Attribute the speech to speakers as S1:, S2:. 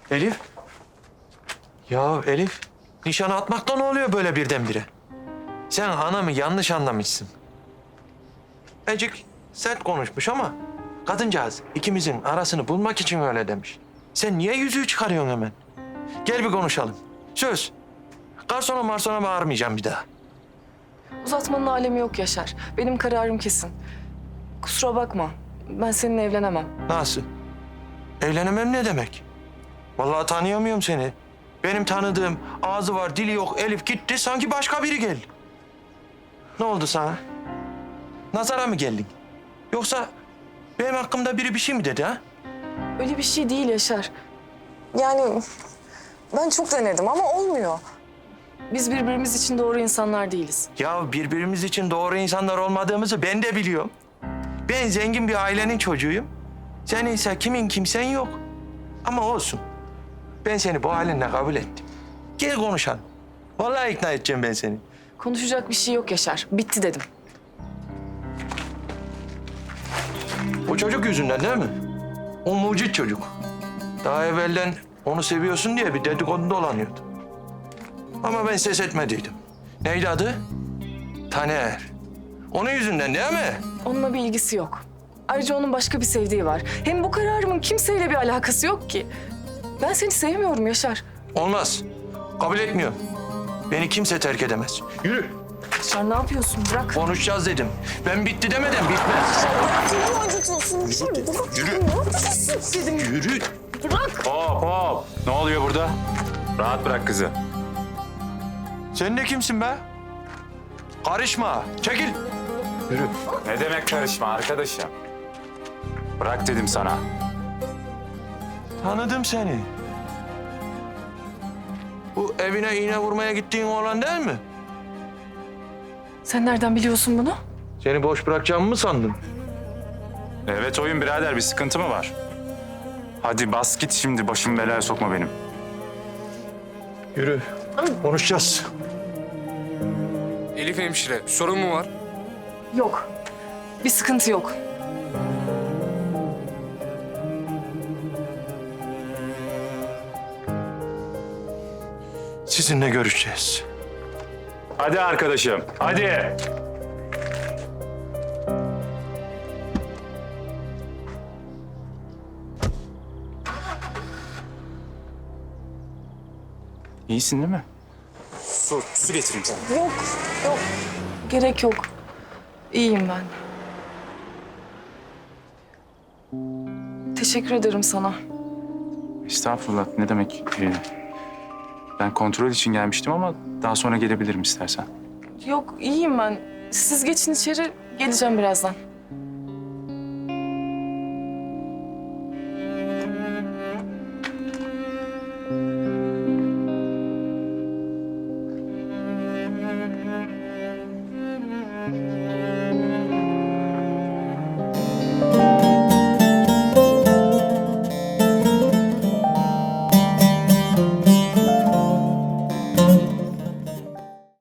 S1: Elif. Ya Elif, nişan atmakta ne oluyor böyle birdenbire? Sen anamı yanlış anlamışsın. Ecik sert konuşmuş ama kadıncağız ikimizin arasını bulmak için öyle demiş. Sen niye yüzüğü çıkarıyorsun hemen? Gel bir konuşalım. Söz. Garsona marsona bağırmayacağım bir daha.
S2: Uzatmanın alemi yok Yaşar. Benim kararım kesin. Kusura bakma. Ben seninle evlenemem.
S1: Nasıl? Evlenemem ne demek? Vallahi tanıyamıyorum seni. Benim tanıdığım ağzı var, dili yok Elif gitti, sanki başka biri geldi. Ne oldu sana? Nazara mı geldin? Yoksa benim hakkımda biri bir şey mi dedi ha?
S2: Öyle bir şey değil Yaşar. Yani ben çok denedim ama olmuyor. Biz birbirimiz için doğru insanlar değiliz.
S1: Ya birbirimiz için doğru insanlar olmadığımızı ben de biliyorum. Ben zengin bir ailenin çocuğuyum. Sen ise kimin kimsen yok. Ama olsun. Ben seni bu halinle kabul ettim. Gel konuşalım. Vallahi ikna edeceğim ben seni.
S2: Konuşacak bir şey yok Yaşar. Bitti dedim.
S1: O çocuk yüzünden değil mi? O mucit çocuk. Daha evvelden onu seviyorsun diye bir dedikodu dolanıyordu. Ama ben ses etmediydim. Neydi adı? Taner. Onun yüzünden değil mi?
S2: Onunla bir ilgisi yok. Ayrıca onun başka bir sevdiği var. Hem bu kararımın kimseyle bir alakası yok ki. Ben seni sevmiyorum Yaşar.
S1: Olmaz. Kabul etmiyorum. Beni kimse terk edemez. Yürü.
S2: Yaşar ne yapıyorsun? Bırak.
S1: Konuşacağız dedim. Ben bitti demeden bitmez.
S2: Canımı acıtıyorsun.
S1: Yürü.
S2: Ne yapıyorsun dedim.
S1: Yürü.
S2: Bırak.
S3: Hop hop. Ne oluyor burada? Rahat bırak kızı.
S1: Sen de kimsin be? Karışma. Çekil. Yürü.
S3: Ne demek karışma arkadaşım? Bırak dedim sana.
S1: Tanıdım seni. Bu evine iğne vurmaya gittiğin oğlan değil mi?
S2: Sen nereden biliyorsun bunu?
S1: Seni boş bırakacağımı mı sandın?
S3: Evet oyun birader, bir sıkıntı mı var? Hadi bas git şimdi, başımı belaya sokma benim.
S1: Yürü. Konuşacağız.
S4: Elif hemşire, sorun mu var?
S2: Yok. Bir sıkıntı yok.
S1: Sizinle görüşeceğiz.
S3: Hadi arkadaşım, hadi. İyisin değil mi? Su getireyim sana.
S2: Yok. Yok. Gerek yok. İyiyim ben. Teşekkür ederim sana.
S3: Estağfurullah, ne demek? Ben kontrol için gelmiştim ama daha sonra gelebilirim istersen.
S2: Yok iyiyim ben. Siz geçin içeri. Geleceğim birazdan.